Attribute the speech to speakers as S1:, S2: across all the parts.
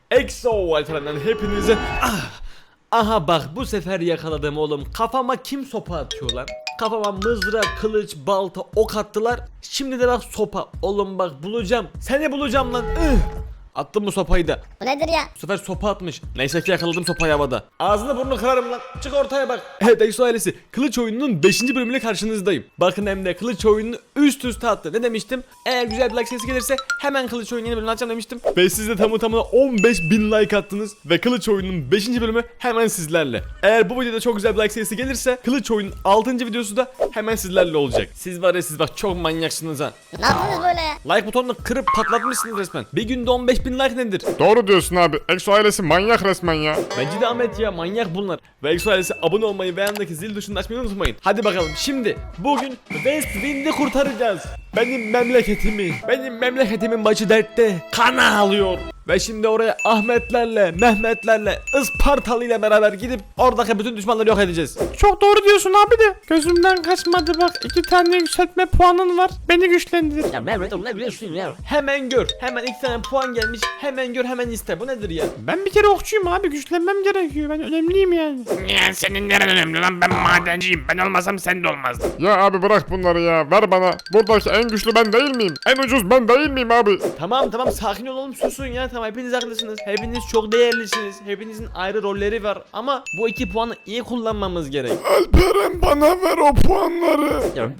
S1: EXO Alperen'den hepinize aha bak bu sefer yakaladım oğlum. Kafama kim sopa atıyor lan? Kafama mızrak, kılıç, balta, ok attılar. Şimdi de bak sopa. Oğlum bak bulacağım. Seni bulacağım lan. Attım bu sopayı da.
S2: Bu nedir ya?
S1: Bu sefer sopa atmış. Neyse ki yakaladım sopayı havada. Ağzını burnunu kırarım lan. Çık ortaya bak. Evet EXO ailesi. Kılıç oyununun 5. bölümüyle karşınızdayım. Bakın hem de kılıç oyununu üst üste attı. Ne demiştim? Eğer güzel bir like sayısı gelirse hemen kılıç oyunu yeni bölümünü açacağım demiştim. Ve siz de tamı tamına 15.000 like attınız. Ve kılıç oyununun 5. bölümü hemen sizlerle. Eğer bu videoda çok güzel bir like sayısı gelirse kılıç oyunun 6. videosu da hemen sizlerle olacak. Siz var ya siz bak çok manyaksınız ha.
S2: Ne yaptınız böyle ya?
S1: Like butonunu kırıp patlatmışsınız resmen. Bir günde 15.000 like nedir?
S3: Doğru diyorsun abi. EXO ailesi manyak resmen ya.
S1: Bence de Ahmet ya manyak bunlar. Ve EXO ailesi abone olmayı ve yanındaki zil tuşunu açmayı unutmayın. Hadi bakalım şimdi bugün West Wind'i kurtaracağız. Benim memleketimin başı dertte. Kana alıyor. Ve şimdi oraya Ahmetlerle, Mehmetlerle, Ispartalı ile beraber gidip oradaki bütün düşmanları yok edeceğiz.
S4: Çok doğru diyorsun abi de gözümden kaçmadı bak 2 tane yükseltme puanın var beni güçlendir.
S2: Ya Mehmet oğlum ne biliyorsun ya?
S1: Hemen gör. Hemen 2 tane puan gelmiş. Hemen gör hemen iste. Bu nedir ya?
S4: Ben bir kere okçuyum abi güçlenmem gerekiyor ben önemliyim yani.
S5: Ya senin neren önemli lan, ben madenciyim, ben olmasam sen de olmazdın.
S3: Ya abi bırak bunları ya. Ver bana. Buradaki en güçlü ben değil miyim? En ucuz ben değil miyim abi?
S1: Tamam sakin olalım susun ya tamam hepiniz haklısınız. Hepiniz çok değerlisiniz. Hepinizin ayrı rolleri var ama bu 2 puanı iyi kullanmamız gerek.
S3: Alperen bana ver o puanları.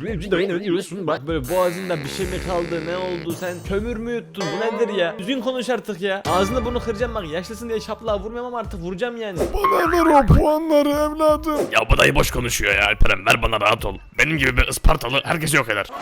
S1: Ya bak böyle boğazında bir şey mi kaldı ne oldu sen kömür mü yuttun bu nedir ya? Düzgün konuş artık ya. Ağzını bunu kıracağım bak yaşlısın diye şaplığa vurmuyorum ama artık vuracağım yani.
S3: Bana ver o puanları evladım.
S5: Ya bu dayı boş konuşuyor ya Alperen, ver bana, rahat ol. Benim gibi bir Ispartalı herkesi yok eder.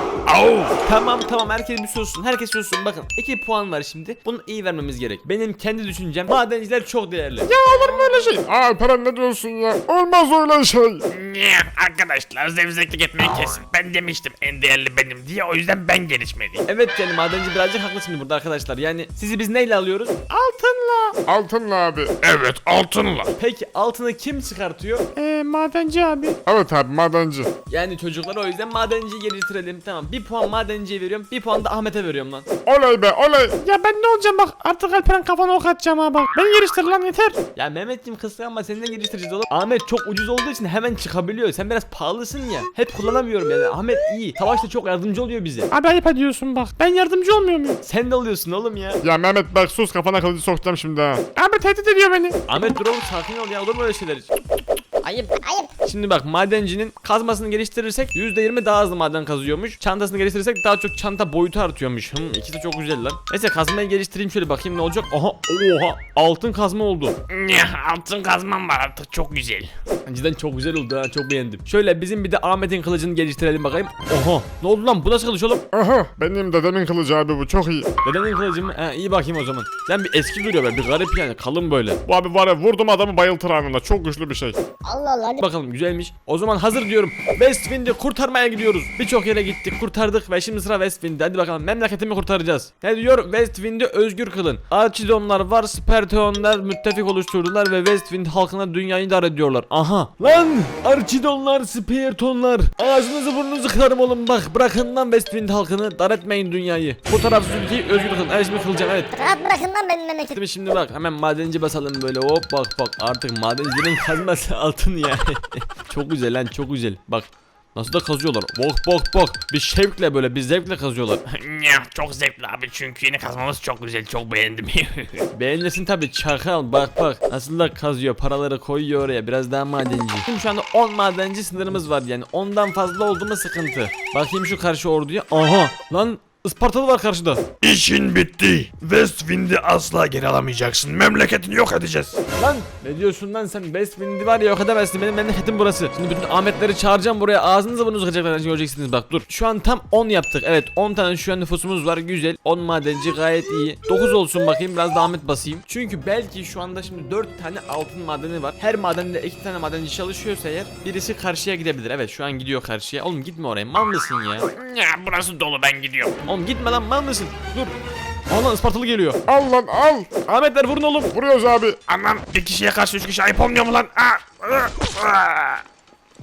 S5: Au.
S1: Tamam herkes bir sussun herkes sussun bakın 2 puan var şimdi bunu iyi vermemiz gerek. Benim kendi düşüncem madenciler çok değerli.
S3: Ya olur mu öyle şey? Alperen ne diyorsun ya? Olmaz öyle şey.
S5: Ya arkadaşlar zevzeklik etmeyi kesin. Ben demiştim en değerli benim diye, o yüzden ben gelişmeliyim.
S1: Evet yani madenci birazcık haklı şimdi burada arkadaşlar yani sizi biz neyle alıyoruz?
S4: Altınla.
S3: Altınla abi.
S5: Evet, altınla.
S1: Peki altını kim çıkartıyor?
S4: Madenci abi.
S3: Evet abi madenci.
S1: Yani çocuklara o yüzden madenciyi geliştirelim tamam 1 puan madenciye veriyorum 1 puan da Ahmet'e veriyorum lan.
S3: Oley be oley.
S4: Ya ben ne olacağım bak artık Alperen kafana ok atacağım ha bak. Beni geliştir lan yeter.
S1: Ya Mehmetciğim kıskanma seni de geliştireceğiz oğlum. Ahmet çok ucuz olduğu için hemen çıkabiliyor sen biraz pahalısın ya. Hep kullanamıyorum yani Ahmet iyi savaşta çok yardımcı oluyor bize.
S4: Abi ayıp ediyorsun bak. Ben yardımcı olmuyor muyum?
S1: Sen de oluyorsun oğlum ya.
S3: Ya Mehmet bak sus kafana kılıcı sokacağım şimdi ha.
S4: Abi tehdit ediyor beni.
S1: Ahmet dur oğlum sakin ol ya olur mu öyle şeyler hiç?
S2: Ayıp.
S1: Şimdi bak madencinin kazmasını geliştirirsek %20 daha hızlı maden kazıyormuş. Çantasını geliştirirsek daha çok çanta boyutu artıyormuş. İkisi de çok güzel lan. Neyse kazmayı geliştireyim şöyle bakayım ne olacak. Oha altın kazma oldu.
S5: Ya altın kazmam var artık, çok güzel.
S1: Cidden çok güzel oldu ha çok beğendim. Şöyle bizim bir de Ahmet'in kılıcını geliştirelim bakayım. Oha ne oldu lan bu nasıl kılıç oğlum?
S3: Aha benim dedemin kılıcı abi bu çok iyi.
S1: Dedenin kılıcı mı? İyi bakayım o zaman. Sen bir eski duruyor be bir garip yani kalın böyle.
S3: Bu abi var ya vurdum adamı bayıltır anında çok güçlü bir şey.
S2: Allah Allah.
S1: Bakalım güzelmiş. O zaman hazır diyorum. West Wind'i kurtarmaya gidiyoruz. Birçok yere gittik, kurtardık ve şimdi sıra West Wind'de. Hadi bakalım memleketimi kurtaracağız. Ne diyor? West Wind'i özgür kılın. Archidonlar var, Sparteonlar müttefik oluşturdular ve West Wind halkına dünyayı idare ediyorlar. Aha! Lan! Archidonlar, Sparteonlar. Ağzınızı burnunuzu kırarım oğlum bak. Bırakın lan West Wind halkını. Dar etmeyin dünyayı. Bu tarafsız ülkeyi özgür kılın. Evet şimdi kılacağım evet.
S2: Rahat bırakın lan benim memleketimi.
S1: Şimdi bak hemen madenci basalım böyle hop bak artık madencilerin kazması altın ya. Çok güzel lan çok güzel bak nasıl da kazıyorlar bak bir şevkle böyle bir zevkle kazıyorlar.
S5: Ya çok zevkli abi, çünkü yeni kazmamız çok güzel, çok beğendim.
S1: Beğenirsin tabi çakal bak nasıl da kazıyor paraları koyuyor oraya biraz daha madenci. Şimdi şu anda 10 madenci sınırımız var yani 10'dan fazla oldu mu sıkıntı. Bakayım şu karşı orduya aha lan Ispartalı var karşıda.
S5: İşin bitti. West Wind'i asla geri alamayacaksın. Memleketini yok edeceğiz.
S1: Lan ne diyorsun lan sen West Wind'i var ya yok edemezsin benim memleketim burası. Şimdi bütün Ahmetleri çağıracağım buraya ağzınızı burnunuzu kıracaklar göreceksiniz bak dur. Şu an tam 10 yaptık evet 10 tane şu an nüfusumuz var güzel 10 madenci gayet iyi. 9 olsun bakayım biraz da Ahmet basayım. Çünkü belki şu anda şimdi 4 tane altın madeni var. Her madende 2 tane madenci çalışıyorsa eğer birisi karşıya gidebilir. Evet şu an gidiyor karşıya. Oğlum gitme oraya mal mısın ya?
S5: Ya burası dolu, ben gidiyorum.
S1: Oğlum gitme lan mal mısın? Dur. Allah Ispartalı geliyor.
S3: Al lan al.
S1: Ahmetler vurun oğlum.
S3: Vuruyoruz abi.
S5: Anam, bir kişiye karşı 3 kişi ayıp olmuyor mu lan?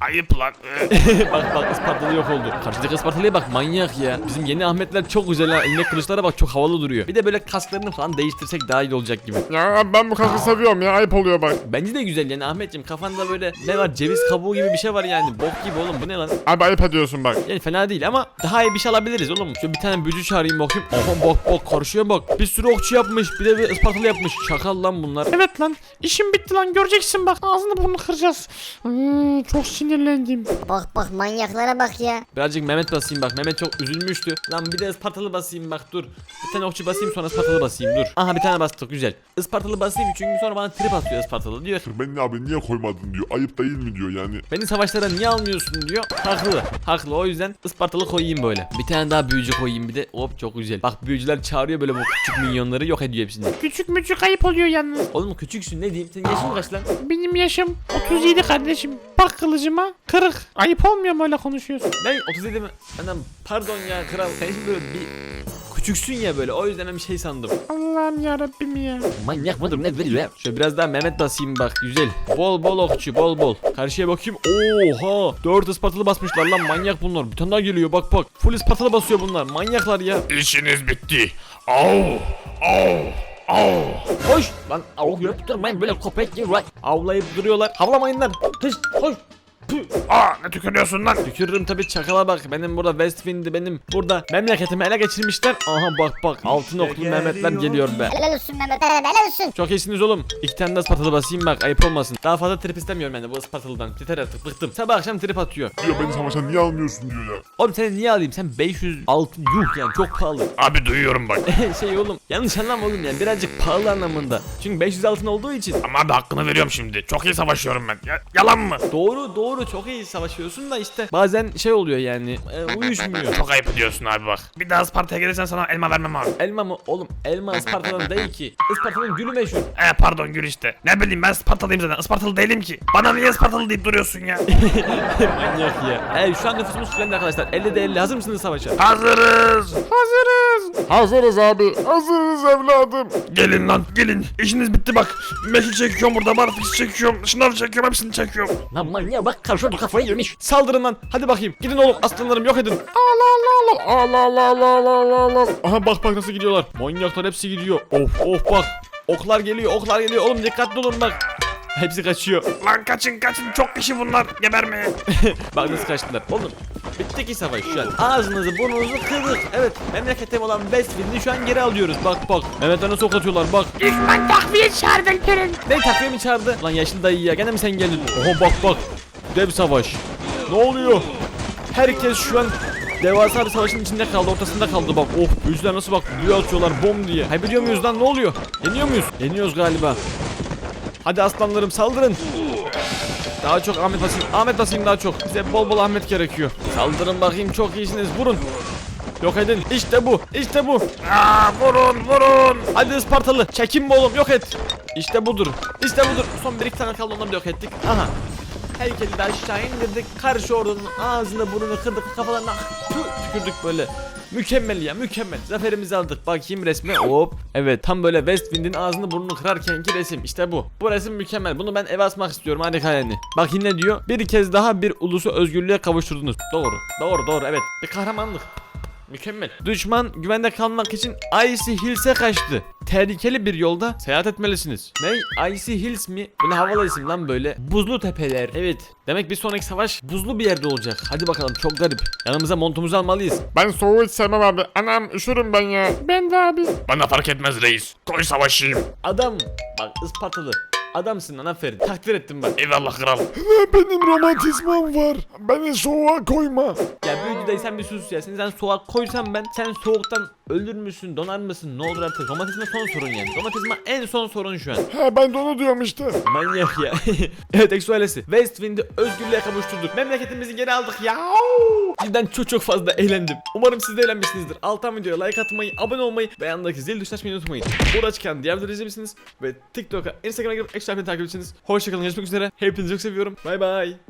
S5: Ayıp lan.
S1: Bak Ispartalı yok oldu. Karşıdaki Ispartalı'ya bak, manyak ya. Bizim yeni Ahmetler çok güzel ha. Eline kılıçlara bak, çok havalı duruyor. Bir de böyle kasklarını falan değiştirsek daha iyi olacak gibi.
S3: Ya ben bu kaskı seviyorum ya, ayıp oluyor bak.
S1: Bence de güzel yani Ahmetciğim, kafanda böyle ne var, ceviz kabuğu gibi bir şey var yani. Bok gibi oğlum, bu ne lan?
S3: Abi ayıp ediyorsun bak.
S1: Yani fena değil ama daha iyi bir şey alabiliriz oğlum. Şöyle bir tane büyücü çağırayım bakayım. Oha bak karşıya bak. Bir sürü okçu yapmış. Bir de bir Ispartalı yapmış. Şakal lan bunlar.
S4: Evet lan işim bitti lan göreceksin bak ağzını burnunu kıracağız. Çok sinirlendim.
S2: Bak manyaklara bak ya.
S1: Birazcık Mehmet basayım bak. Mehmet çok üzülmüştü. Lan bir de Ispartalı basayım bak, dur. Bir tane okçu basayım, sonra Ispartalı basayım, dur. Aha bir tane bastık, güzel. Ispartalı basayım çünkü sonra bana trip atıyor Ispartalı, diyor.
S6: Beni abi niye koymadın diyor. Ayıp değil mi diyor yani.
S1: Beni savaşlara niye almıyorsun diyor. Haklı, o yüzden Ispartalı koyayım böyle. Bir tane daha büyücü koyayım bir de. Hop çok güzel. Bak büyücüler çağırıyor böyle bu küçük minyonları, yok ediyor hepsini.
S4: Küçük müçük ayıp oluyor yalnız.
S1: Oğlum küçüksün, ne diyeyim, senin yaşın kaç lan?
S4: Benim yaşım 37 kardeşim. Bak kılıcıma kırık. Ayıp olmuyor mu öyle konuşuyorsun?
S1: Ne 37 mi? Anam pardon ya kral, sen şimdi böyle bir küçüksün ya böyle, o yüzden ben bir şey sandım.
S4: Allah'ım yarabbim ya.
S2: Manyak mıdır ne veriyor ya?
S1: Şöyle biraz daha Mehmet basayım bak, güzel. Bol okçu, bol. Karşıya bakayım. Oha! 4 Ispartalı basmışlar lan, manyak bunlar. Bir tane daha geliyor bak. Full Ispartalı basıyor bunlar. Manyaklar ya.
S5: İşiniz bitti. Au.
S1: Koş! Lan
S2: Avuk yaptırmayın böyle köpek gibi.
S1: avlayıp duruyorlar. Havlamayın lan. Kış, koş. Püh.
S5: Ne tükürüyorsun lan?
S1: Tükürürüm tabii, çakala bak. Benim burada Westwind'i, benim burada memleketimi ele geçirmişler. Aha bak. Altın oklu Mehmetler geliyor be.
S2: Helal olsun Mehmet. Helal olsun.
S1: Çok iyisiniz oğlum. 2 tane de Ispartalı basayım bak, ayıp olmasın. Daha fazla trip istemiyorum ben de bu Ispartalı'dan. Yeter artık, bıktım. Sabah akşam trip atıyor.
S6: Diyor beni savaşa niye almıyorsun diyor ya.
S1: Oğlum seni niye alayım? Sen 500 altın yuh yani, çok pahalı.
S5: Abi duyuyorum bak.
S1: Şey oğlum, yanlış anlama oğlum yani, birazcık pahalı anlamında. Çünkü 500 altın olduğu için.
S5: Ama abi hakkını veriyorum şimdi. Çok iyi savaşıyorum ben. Yalan mı?
S1: Doğru çok iyi savaşıyorsun da işte bazen şey oluyor yani, uyuşmuyor.
S5: Çok ayıp ediyorsun abi bak. Bir daha Isparta'ya gelirsen sana elma vermem abi.
S1: Elma mı? Oğlum elma Isparta'dan değil ki. Isparta'nın gülü meşhur.
S5: Pardon gül işte. Ne bileyim ben Ispartalıyım zaten. Ispartalı değilim ki. Bana niye Ispartalı deyip duruyorsun ya?
S1: Manyak ya. Şu an nüfusumuz tükendi arkadaşlar. 50'de 50. Hazır mısınız savaşa?
S5: Hazırız.
S3: Hazırız abi. Hazırız evladım.
S5: Gelin lan gelin. İşiniz bitti bak. Meşil çekiyorum burada. Barfix çekiyorum. Şınav çekiyorum. Hepsini çekiyorum.
S2: Lan manyak bak karşıda kafayı yemiş.
S1: Saldırın lan. Hadi bakayım. Gidin oğlum, aslanlarım yok edin.
S3: Allah.
S1: Aha bak nasıl gidiyorlar. Manyaklar hepsi gidiyor. Of bak. Oklar geliyor. Oğlum dikkatli olun bak. Hepsi kaçıyor.
S5: Lan kaçın. Çok kişi bunlar. Gebermeye.
S1: Bak nasıl kaçtılar. Oğlum bitti ki savaş şu an. Ağzınızı burnunuzu kırdık. Evet, memleketim olan Westwind'i şu an geri alıyoruz. Bak. Mehmetler nasıl ok atıyorlar bak.
S4: Düşman takviye çağırdı Alperen.
S1: Ne takviye mi çağırdı? Lan yaşlı dayı ya, gene mi sen geldin? Oha bak. Dev savaş. Ne oluyor? Herkes şu an devasa bir savaşın içinde kaldı, ortasında kaldı bak. Büyücüler nasıl bak, büyü atıyorlar bom diye. Kaybediyor muyuz lan, ne oluyor? Yeniyor muyuz? Yeniyoruz galiba. Hadi aslanlarım saldırın. Daha çok Ahmet basayım daha çok. Bize bol Ahmet gerekiyor. Saldırın bakayım, çok iyisiniz, vurun. Yok edin. İşte bu.
S5: Vurun.
S1: Hadi Ispartalı. Çekinme oğlum, yok et. İşte budur. Son 1-2 tane kaldı, onları da yok ettik. Aha. Heykeli de aşağı indirdik. Karşı ordunun ağzını burnunu kırdık. Kafalarına tükürdük böyle. Mükemmel ya, mükemmel. Zaferimizi aldık. Bakayım resme. Hop. Evet, tam böyle Westwind'in ağzını burnunu kırarkenki resim. İşte bu. Bu resim mükemmel. Bunu ben eve asmak istiyorum. Harika yani. Bak yine diyor. Bir kez daha bir ulusu özgürlüğe kavuşturdunuz. Doğru. Evet. Bir kahramanlık. Mükemmel. Düşman güvende kalmak için Icy Hills'e kaçtı. Tehlikeli bir yolda seyahat etmelisiniz. Ne? Icy Hills mi? Bu ne havalı isim lan böyle. Buzlu tepeler. Evet. Demek bir sonraki savaş buzlu bir yerde olacak. Hadi bakalım, çok garip. Yanımıza montumuzu almalıyız.
S3: Ben soğuğu hiç sevmem abi. Anam üşürüm ben ya.
S4: Ben de abi.
S5: Bana fark etmez reis. Koy savaşayım.
S1: Adam. Bak Ispartalı. Adamsın lan, aferin. Takdir ettim bak.
S5: Eyvallah kral.
S3: Benim romantizmam var. Beni soğuğa koyma.
S1: Ya büyücü dayı, sen bir sus ya. Sen soğuk koysam ben, sen soğuktan ölür müsün, donar mısın, ne olur artık. Romatizma son sorun yani. Romatizma en son sorun şu an.
S3: Ben de onu diyorum işte.
S1: Manyak ya. Evet Exo ailesi, Westwind'i özgürlüğe kavuşturduk. Memleketimizi geri aldık ya. Cidden çok fazla eğlendim. Umarım siz de eğlenmişsinizdir. Alttan videoya like atmayı, abone olmayı ve yanındaki zil tuşuna açmayı unutmayın. Burada çıkan diğer videoları izleyebilirsiniz ve TikTok'a, Instagram'a girip Exo takip edeceksiniz. Hoşçakalın, görüşmek üzere. Hepinizi çok seviyorum. Bay bay.